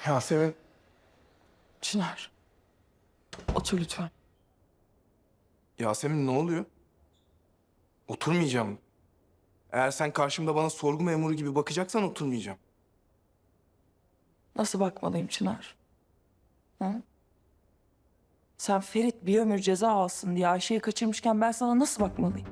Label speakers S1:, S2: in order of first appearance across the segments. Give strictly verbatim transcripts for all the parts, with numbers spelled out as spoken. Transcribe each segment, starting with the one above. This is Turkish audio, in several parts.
S1: Yasemin.
S2: Çınar. Otur lütfen.
S1: Yasemin ne oluyor? Oturmayacağım. Eğer sen karşımda bana sorgu memuru gibi bakacaksan oturmayacağım.
S2: Nasıl bakmalıyım Çınar? Hı? Sen Ferit bir ömür ceza alsın diye Ayşe'yi kaçırmışken ben sana nasıl bakmalıyım?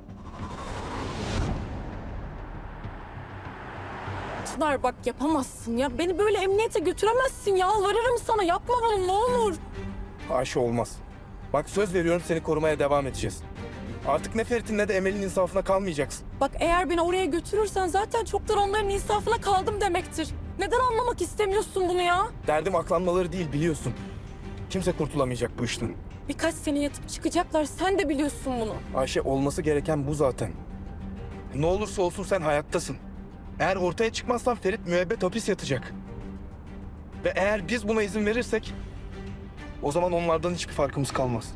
S3: Çınar bak yapamazsın ya. Beni böyle emniyete götüremezsin ya. Yalvarırım sana yapma bunu ne olur.
S1: Ayşe olmaz. Bak söz veriyorum seni korumaya devam edeceğiz. Artık ne Ferit'in ne de Emel'in insafına kalmayacaksın.
S3: Bak eğer beni oraya götürürsen zaten çoktan onların insafına kaldım demektir. Neden anlamak istemiyorsun bunu ya?
S1: Derdim aklanmaları değil biliyorsun. Kimse kurtulamayacak bu işten.
S3: Birkaç sene yatıp çıkacaklar sen de biliyorsun bunu.
S1: Ayşe olması gereken bu zaten. Ne olursa olsun sen hayattasın. Eğer ortaya çıkmazsan Ferit müebbet hapis yatacak. Ve eğer biz buna izin verirsek o zaman onlardan hiçbir farkımız kalmaz.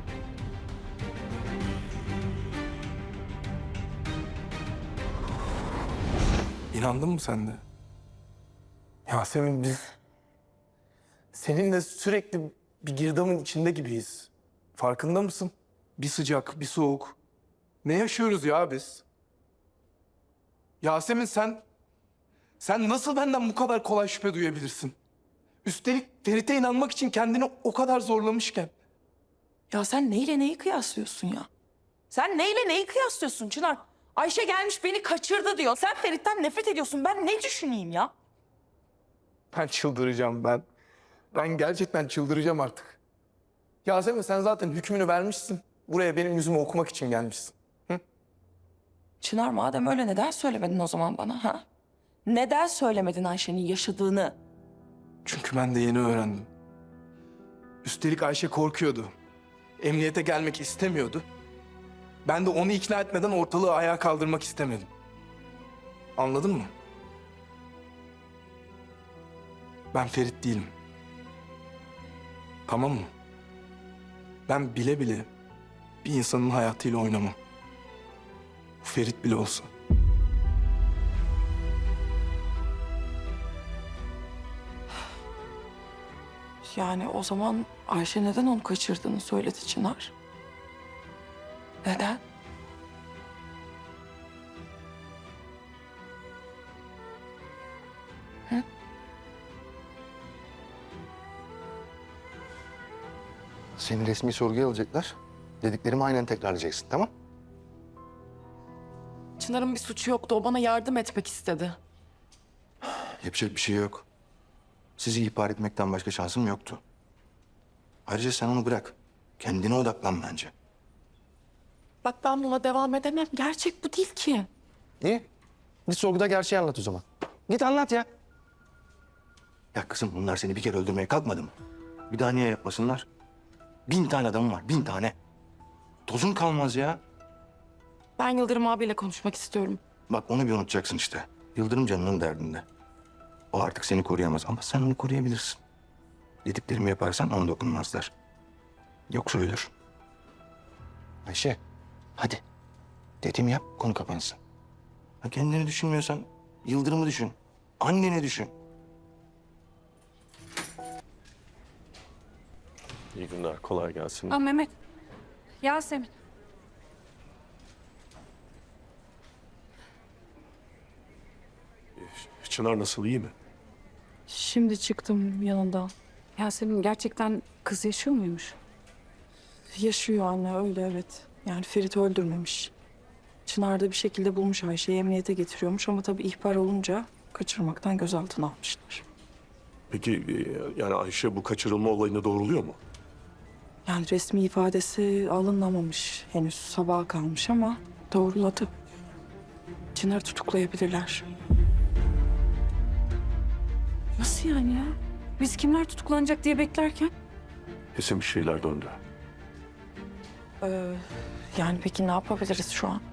S1: İnandın mı sen de? Yasemin biz seninle sürekli bir girdabın içinde gibiyiz. Farkında mısın? Bir sıcak, bir soğuk. Ne yaşıyoruz ya biz? Yasemin sen... Sen nasıl benden bu kadar kolay şüphe duyabilirsin? Üstelik Ferit'e inanmak için kendini o kadar zorlamışken.
S2: Ya sen neyle neyi kıyaslıyorsun ya? Sen neyle neyi kıyaslıyorsun Çınar? Ayşe gelmiş beni kaçırdı diyor. Sen Ferit'ten nefret ediyorsun. Ben ne düşüneyim ya?
S1: Ben çıldıracağım ben. Ben gerçekten çıldıracağım artık. Yasemin sen zaten hükmünü vermişsin. Buraya benim yüzümü okumak için gelmişsin.
S2: Çınar madem öyle neden söylemedin o zaman bana ha? Neden söylemedin Ayşe'nin yaşadığını?
S1: Çünkü ben de yeni öğrendim. Üstelik Ayşe korkuyordu. Emniyete gelmek istemiyordu. Ben de onu ikna etmeden ortalığı ayağa kaldırmak istemedim. Anladın mı? Ben Ferit değilim. Tamam mı? Ben bile bile bir insanın hayatıyla oynamam. Bu Ferit bile olsun.
S2: Yani o zaman Ayşe neden onu kaçırdığını söyledi Çınar. Neden?
S4: Seni resmi sorguya alacaklar. Dediklerimi aynen tekrarlayacaksın, tamam?
S3: Çınar'ın bir suçu yoktu. O bana yardım etmek istedi.
S4: Yapacak bir şey yok. Sizi ihbar etmekten başka şansım yoktu. Ayrıca sen onu bırak. Kendine odaklan bence.
S3: Bak ben buna devam edemem. Gerçek bu değil ki.
S4: İyi. Git sorguda gerçeği anlat o zaman. Git anlat ya. Ya kızım bunlar seni bir kere öldürmeye kalkmadı mı? Bir daha niye yapmasınlar? Bin tane adamım var, bin tane. Tozun kalmaz ya.
S3: Ben Yıldırım abiyle konuşmak istiyorum.
S4: Bak onu bir unutacaksın işte. Yıldırım canının derdinde. O artık seni koruyamaz ama sen onu koruyabilirsin. Dediklerimi yaparsan ona dokunmazlar. Yoksa ölür. Ayşe, hadi. Dediğimi yap, konu kapansın. Ha, kendini düşünmüyorsan Yıldırım'ı düşün. Anneni düşün.
S5: İyi günler, kolay gelsin.
S6: Aa, Mehmet. Yasemin.
S5: Çınar nasıl, iyi mi?
S6: Şimdi çıktım yanından. Yasemin gerçekten kız yaşıyor muymuş?
S2: Yaşıyor anne öyle evet. Yani Ferit öldürmemiş. Çınar da bir şekilde bulmuş Ayşe'yi emniyete getiriyormuş ama tabii ihbar olunca kaçırmaktan gözaltına almışlar.
S5: Peki e, yani Ayşe bu kaçırılma olayını doğruluyor mu?
S2: Yani resmi ifadesi alınamamış henüz sabaha kalmış ama doğruladı. Çınar'ı tutuklayabilirler.
S6: Nasıl yani ya? Biz kimler tutuklanacak diye beklerken?
S5: Kesin bir şeyler döndü.
S2: Ee, yani peki ne yapabiliriz şu an?